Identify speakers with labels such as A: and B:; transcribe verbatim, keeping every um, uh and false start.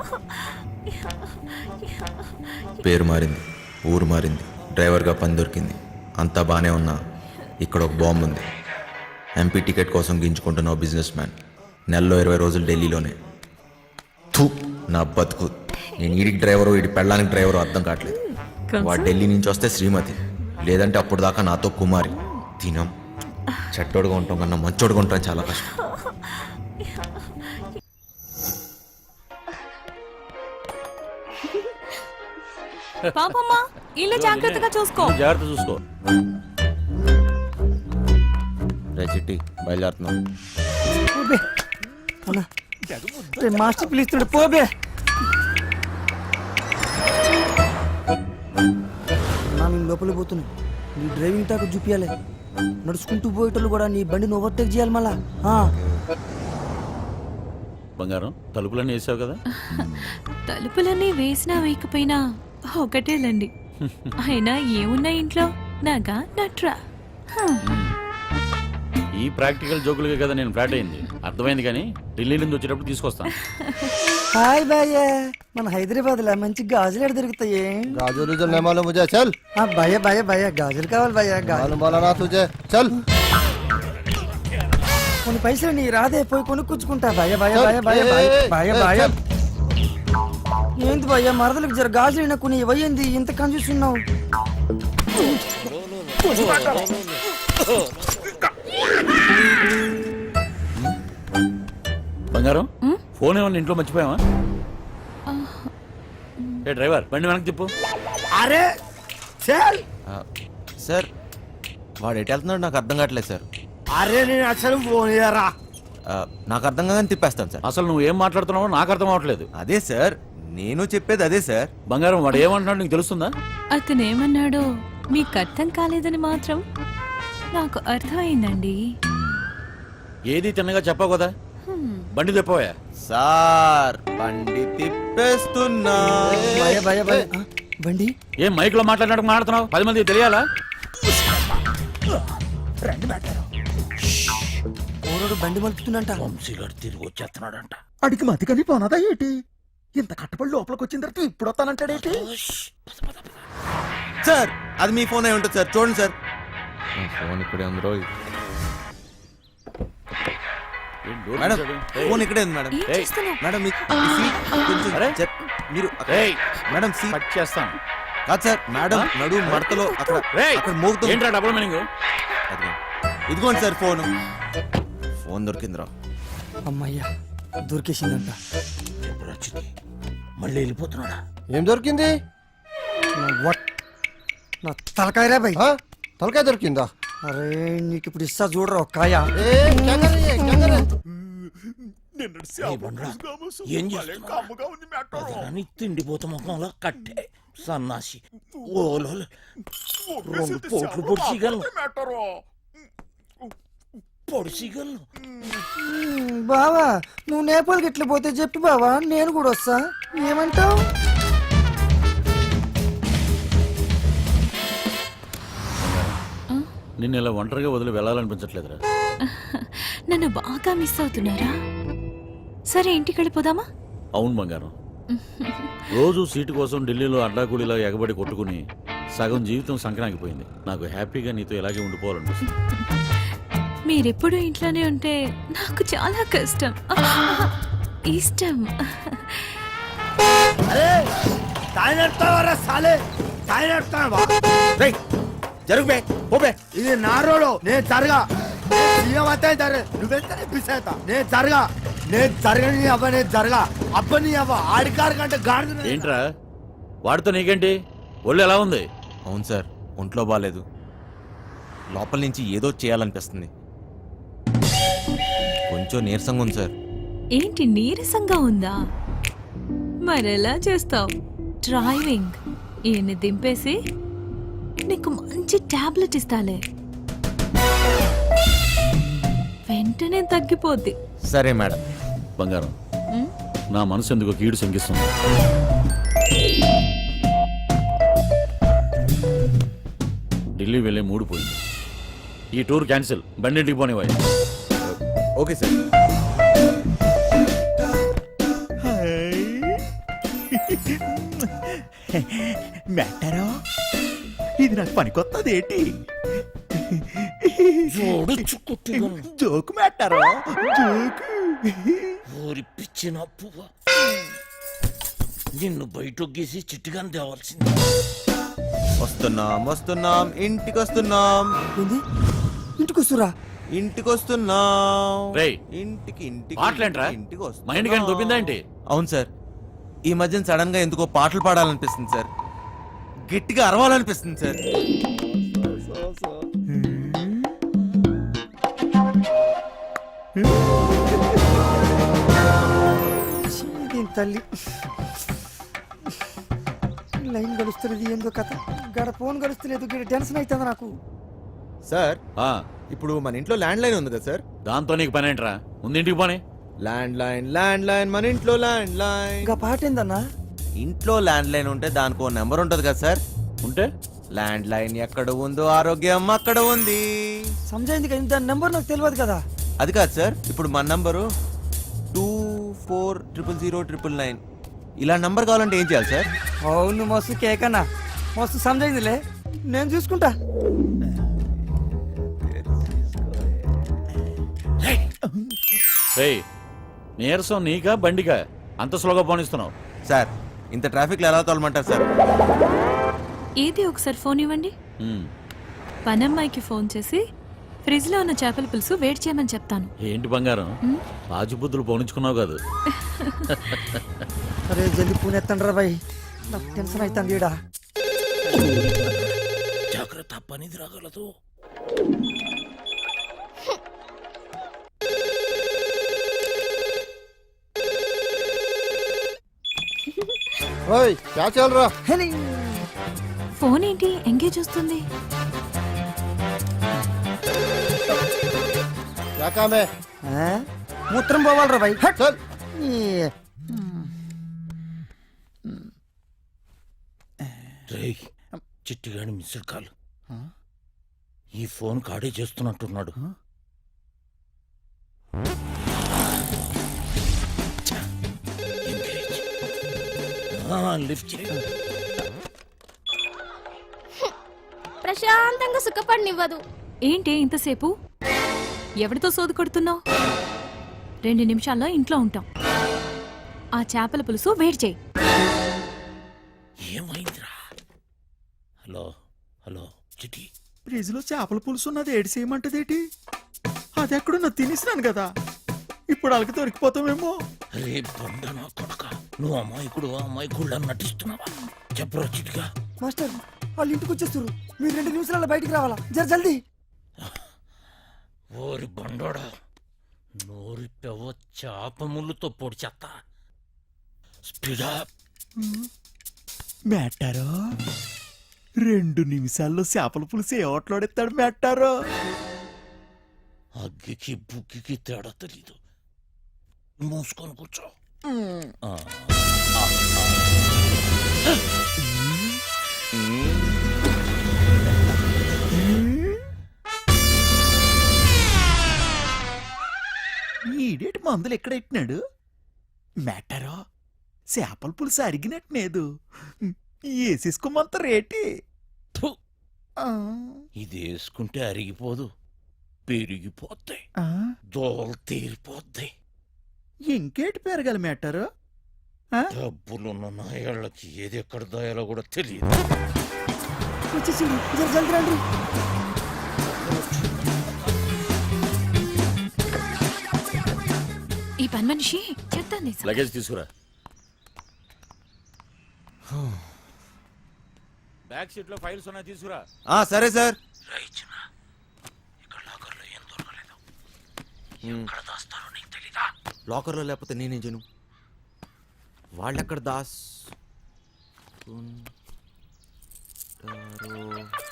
A: పేరు మారింది, ఊరు మారింది, డ్రైవర్గా పని దొరికింది, అంతా బాగానే ఉన్నా ఇక్కడ ఒక బాంబు ఉంది. ఎంపీ టికెట్ కోసం గింజుకుంటున్న ఓ బిజినెస్ మ్యాన్ నెలలో ఇరవై రోజులు ఢిల్లీలోనే. థూ నా బతుకు. నేను ఈడికి డ్రైవరు, ఈడి పెళ్ళానికి డ్రైవరు అర్థం కావట్లేదు. వాడు ఢిల్లీ నుంచి వస్తే శ్రీమతి, లేదంటే అప్పుడు దాకా నాతో కుమారి. తినం చెట్టోడుగా ఉంటాం కన్నా మంచోడుగా ఉంటాం చాలా కష్టం.
B: పాపమ్మా ఇల్లు జాగ్రత్తగా చూసుకో.
C: జాగ్రత్త చూసుకో.
A: రే చిట్టి బయలుదేరుతున్నాం.
D: మాస్టర్ పిలుస్తాడు పోబే. నేను లోపలికి పోతున్నా, నీ డ్రైవింగ్ తాకు చూపించాలి. నడుచుకుంటూ పోయేటోళ్ళు కూడా నీ బండిని ఓవర్టేక్ చేయాలి మళ్ళా.
C: బంగారం తలుపులన్నీ వేసావు కదా?
B: తలుపులన్నీ వేసినా వేయకపోయినా ఒకటేలండి. అయినా ఏమున్నా ఇంట్లో నాగా నట్రా.
C: ఈ ప్రాక్టికల్ జోకులుగా కదా నేను ఫ్లాట్ అయింది. అర్థమైంది, కానీ ఢిల్లీ నుంచి వచ్చేటప్పుడు తీసుకొస్తాను.
D: హాయ్ భయ్య, మన హైదరాబాద్ లో మంచి గాజులు ఎక్కడ దొరుకుతాయి?
E: गाजर उजर नहीं मालूम मुझे, चल।
D: భయ్య భయ్య భయ్య గాజులు కావాలి భయ్య.
E: मालूम वाला ना तुझे, चल।
D: కొన్ని పైసలు నీ రాదే, పోయి కొనుక్కుంటా భయ్య భయ్య భయ్య భయ్య భయ్య భయ్య భయ్య. ఏంది భయ్య మరదలకు జర గాజులు అయినా కొన్ని ఇవ్వయింది, ఇంత కన్ఫ్యూస్తున్నావు.
C: బంగారం ఫోన్ ఏమన్నా ఇంట్లో మర్చిపోయావా? ఏ డ్రైవర్ బండి వెనక్కి చెప్పు.
D: అరే చల్.
A: సార్ వాడు ఎటు వెళ్తున్నాడు నాకు అర్థం కావట్లేదు సార్.
D: అరే నేను అసలు ఫోన్ చేయరా.
A: ఆ, నాకు అర్థం కాగానే తిప్పేస్తాను సార్.
C: అసలు నువ్వు ఏం మాట్లాడుతున్నావో నాకు అర్థం అవ్వట్లేదు.
A: అదే సార్ నేను చెప్పేది అదే సార్.
C: బంగారం వాడు ఏమంటున్నాడు నీకు తెలుస్తుందా?
B: అతను ఏమన్నాడో మీకు అర్థం కాలేదని మాత్రం నాకు అర్థమైందండి.
C: ఏది తిన్నగా చెప్పావు కదా. బండి తెప్పవా?
A: సార్ బండి తిప్పేస్తున్నా.
D: భయ్య భయ్య భయ్య. ఆ, బండి
C: ఏం మైక్ లో మాట్లాడినట్టు మాట్లాడుతున్నావు? పది మంది తెలియాలా?
D: ఓరోడు బండి మలుపుతుందంట.
C: తిరిగి వచ్చేస్తున్నాడంట.
F: అడిగి మతికని పోనదా ఏటి? ఇంత కట్టపడి లోపలికి వచ్చిన తర్వాత ఇప్పుడు వస్తానంటాడేటి?
A: సార్ అది మీ ఫోన్ అయి ఉంటుంది సార్, చూడండి సార్. ఫోన్ ఇక్కడే ఉంది రోజు. మేడం ఫోన్ ఇక్కడే ఉంది మేడం.
B: ఏం చేస్తున్నావ్?
A: మేడం మీ- ఈ సీట్ కొంచెం
C: అరే?
A: జర- మీరు అక్కడ-
C: ఏయ్,
A: మేడం సీట్
C: కట్ చేస్తాను.
A: కాదు సార్, మేడం నడు మడతలో అక్కడ
C: రేయ్,
A: అక్కడ మోగుతుంది.
C: ఏంట్రా డబుల్ మీనింగ్?
A: అదిగో. ఇదిగోండి సార్ ఫోన్. ఫోన్ దొరికిందిరా.
D: అమ్మయ్యా దొరికేసిందంట.
C: మళ్ళీ వెళ్ళిపోతున్నాడా?
E: ఏం దొరికింది?
D: నా వట్ నా తలకాయరా భయ్.
E: हाँ? తలకాయ దొరికిందా?
D: అరే నీకు ఇప్పుడు ఇస్తా చూడరా ఒక కాయ.
E: ఏ क्या कर रही है, क्या कर रही है?
G: ఏం చేస్తున్నావు? తిండిపోత ముఖంలో కట్టే సన్నాసి ఓలో రెండు పోట్లు పొడిచిగలను పొడిచిగలను.
D: బావా నువ్వు నేపాల్కి ఎట్లా పోతే చెప్పి బావా, నేను కూడా వస్తా. ఏమంటావు?
C: నిన్ను ఇలా ఒంటరిగా వదిలి వెళ్ళాలనిపించట్లేదురా.
B: నన్ను బాగా మిస్ అవుతున్నారా? సరే ఇంటికి వెళ్ళిపోదామా?
C: అవును బంగారం, రోజు సీటు కోసం ఢిల్లీలో అడ్డాకూలీలా ఎగబడి కొట్టుకుని సగం జీవితం సంక్రాంతిపోయింది. నాకు హ్యాపీగా నీతో ఇలాగే ఉండిపోవాలనిపిస్తుంది.
B: మీరెప్పుడు ఇంట్లోనే ఉంటే నాకు చాలా కష్టం, ఇష్టం.
G: జరుగు బే పోబే. ఇది నా రోడ్, నేను జరగా సీఎం అయితే జరగ నువ్వెంత పిసేత నేను జరగా నేను జరగని అవ్వ నేను జరగా అబ్బని అవ్వ ఆడికారు కంటే గాడి.
C: ఏంట్రా వాడితో నీకేంటి? ఒళ్ళు ఎలా ఉంది?
A: అవును సార్, ఒంట్లో బాగాలేదు. లోపల నుంచి ఏదో చేయాలనిపిస్తుంది. కొంచెం నీరసంగా ఉంది సార్.
B: ఏంటి నీరసంగా ఉందా? మరెలా చేస్తావు? డ్రైవింగ్ ఈయన్ని దింపేసి నీకు మంచి టాబ్లెట్ ఇస్తాలే, వెంటనే తగ్గిపోద్ది.
A: సరే మేడం.
C: బంగారం, నా మనసు ఎందుకో కీడు శంకిస్తుంది. ఢిల్లీ వెళ్ళే మూడు పోయింది. ఈ టూర్ క్యాన్సిల్, బండింటికి పోనివ్వాలి.
A: Okay sir.
F: మెట్టారో ఇది నాకు పనికొత్తది ఏంటి జోకు మెట్టారో జోకు
C: ఊరి పిచ్చిన పువ్వ నిన్ను బయటొగ్గేసి చిట్టుగాని తేవాల్సింది.
A: వస్తున్నాం వస్తున్నాం ఇంటికి వస్తున్నాం
D: ఏంది ఇంటికి వస్తురా?
A: ఇంటికి వస్తున్నాం
C: రేయ్,
A: ఇంటికి ఇంటికి
C: పాటలేంట్రా?
A: ఇంటికి
C: మా ఇంటికి దొబ్బిందా ఏంటి?
A: అవును సార్, ఈ మధ్యన సడన్ గా ఎందుకో పాటలు పాడాలనిపిస్తుంది సార్, గట్టిగా అరవాలనిపిస్తుంది సార్.
D: దీని తల్లి లైన్ గడుస్తున్నది ఏందో కథ, గడ ఫోన్ గడుస్తలేదు, గడ టెన్షన్ అవుతుంది నాకు.
A: సార్
C: ఆ,
A: ఇప్పుడు మన ఇంట్లో ల్యాండ్ లైన్ ఉంది కదా సార్?
C: దాంతో నీకు పని ఏంట్రా? ముందు ఇంటికి పోనీ.
A: ల్యాండ్ లైన్ ల్యాండ్ లైన్ మన ఇంట్లో ల్యాండ్ లైన్.
D: ఇంకా పాట ఏందన్నా?
A: ఇంట్లో ల్యాండ్ లైన్ ఉంటే దానికి ఓ నెంబర్ ఉంటది కదా సార్?
C: ఉంటే
A: ల్యాండ్ లైన్ ఎక్కడ ఉందో ఆరోగ్యం అక్కడ ఉంది.
D: సమజైంది కదా, దాని నెంబర్ నాకు తెలియదు కదా.
A: అది కాదు సార్, ఇప్పుడు మన number two four triple zero triple nine. ఇలా నంబర్ కావాలంటే ఏం చేయాలి సార్?
D: అవును మస్తు కేకన్నా, మస్తు సమజైందిలే, నేను చూసుకుంటా.
C: రేయ్, నీరసం నీకా బండికా అంత స్లోగా పోనిస్తున్నావు?
A: సార్ ఇంత ట్రాఫిక్ లో ఎలా తోలమంటారు సార్?
B: ఏది ఒకసారి ఫోన్ ఇవ్వండి.
C: ఉమ్,
B: పనమ్మాయికి ఫోన్ చేసి ఫ్రిడ్జ్ లో ఉన్న చేపల పులుసు వేడి చేయమని చెప్తాను.
C: ఏంటి బంగారం, రాజుబుద్ధులు పోనించుకున్నావు కాదు?
D: అరే జల్ది పూనెత్తండి రా బాయ్, నాకు టెన్షన్ అవుతుంది ఈడ.
C: జాగ్రత్త, పనిది రాగలదు.
E: ఓయ్ క్యా చల్ రా?
D: హెలి.
B: ఫోన్ ఏంటి ఎంగేజ్ వస్తుంది?
E: క్యా కామ్ హై?
D: ఆ? మూత్రం పోవాలరా బాయ్. హట్.
E: చల్.
D: ఈ,
C: రేయ్, చిట్టిగాని మిస్డ్ కాల్. ఈ ఫోన్ కాడే చేస్తున్నట్టున్నాడు. ఎంగేజ్. ఆ, లిఫ్ట్ చేయి.
H: ప్రశాంతంగా సుఖపడినివ్వదు.
B: ఏంటి ఇంతసేపు? ఎవరితో సోదు కొడుతున్నావు? రెండు నిమిషాల్లో ఇంట్లో ఉంటాం. ఆ చేపల పులుసు వేడి చేయి.
C: ఏమైందిరా? హలో హలో చిట్టి,
F: ఫ్రిడ్జ్ లో చేపల పులుసు ఉన్నది ఏడు చేయమంటదేటి? అది ఎక్కడున్నా తినేసినాను కదా, ఇప్పుడు వాళ్ళకి దొరికిపోతామేమో.
C: రే బండ నా కొడక, నువ్వు అమాయకుడు అమాయకుడు నటిస్తున్నావా? చెప్పరా చిట్టిగా.
D: మాస్టర్ వాళ్ళు ఇంటికి వచ్చేస్తారు, మీరు రెండు నిమిషాలలో బయటికి రావాలా, జర జల్దీ.
C: ఓరి బండోడా, నోరి పెవ చాప ముళ్ళుతో పొడి చెత్త. స్పీడా.
F: మెట్టారో రెండు నిమిషాల్లో చేపల పులుసు ఏ ఓట్లాడెత్తాడు మెట్టారో.
C: అగ్గికి బుగ్గికి తేడా తెలీదు. మూసుకొని కూర్చో. ఆ, ఆ, ఆ.
F: ఈడేటి మందులు ఎక్కడ ఎట్టినాడు మెట్టారో? చేపల పులుసు అరిగినట్లేదు, వేసేసుకోమంత రేటి.
C: థు, ఇది వేసుకుంటే అరిగిపోదు, పెరిగిపోద్ది,
F: ఆ,
C: దోలు తీరిపోద్ది.
F: ఇంకేటి పెరగాలి మెట్టారో?
C: డబ్బులున్న నాయాళ్ళకి ఏది ఎక్కడ దాయాలో కూడా తెలియదు.
D: వచ్చేసింది, జర జల్దీ రండి.
B: ఈ పని మనిషి చెప్తాను.
C: లగేజ్ తీసుకురా. బ్యాక్ సీట్ లో ఫైల్స్ ఉన్నాయి, తీసుకురా.
A: ఆ సరే సార్.
C: ఇక్కడ లాకర్లో ఏం దొరకలేదు. ఎక్కడ దాస్తారో నీకు తెలీదా?
A: లాకర్లో లేకపోతే నేనేం చేయను? వాళ్ళెక్కడ దాస్ ఉంటారో?